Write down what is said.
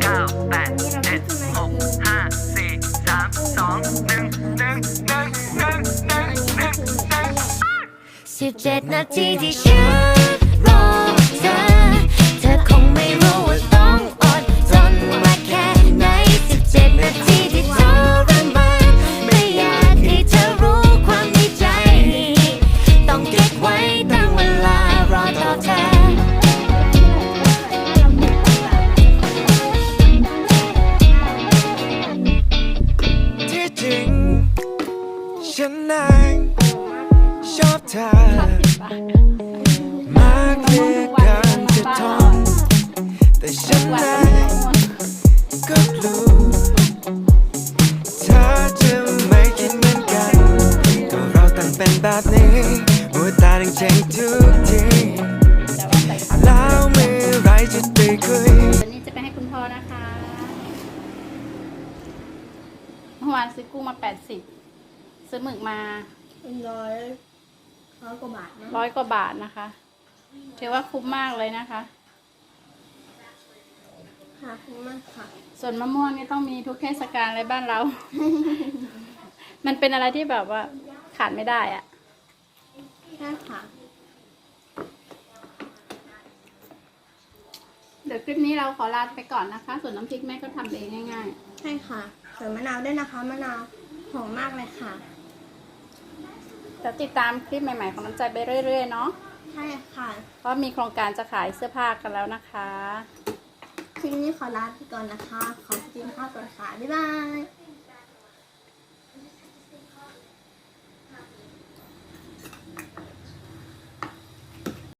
17 นาทีที่ฉันรอเธอเธอคงไม่รู้ว่าต้องอดทนมาแค่ไหน17 นาทีที่ทรมานไม่อยากให้เธอรู้ความในใจต้องเก็บไว้ตั้งเวลารอต่อเธอที่จริงฉันนั้นชอบเธอมากเหลือเกินจะทนแต่ฉันนั้นก็รู้เธอจะไม่คิดเหมือนกันก็เราต่างเป็นแบบนี้หัวตาดังเจ๊งทุกทีแล้วเมื่อไรจะได้คุยวันนี้จะไปให้คุณพ่อนะคะเมื่อวานซื้อกุ้งมา80ซื้อหมึกมาร้อยกว่าบาทนะ 100 กว่าบาทนะคะถือว่าคุ้มมากเลยนะคะค่ะคุ้มมากค่ะส่วนมะม่วงนี่ต้องมีทุกเทศกาลเลยบ้านเรา มันเป็นอะไรที่แบบว่าขาดไม่ได้อะใช่ค่ะเดี๋ยวคลิปนี้เราขอลาไปก่อนนะคะ ส่วนน้ำพริกแม่ก็ทำเองง่ายใช่ค่ะใส่มะนาวด้วยนะคะมะนาวหอมมากเลยค่ะๆจะติดตามคลิปใหม่ๆของน้ำใจไปเรื่อยๆเนาะใช่ค่ะเพราะมีโครงการจะขายเสื้อผ้ากันแล้วนะคะคลิปนี้ขอลาไปก่อนนะคะขอบคุณค่ะก่อนค่ะบ๊ายบาย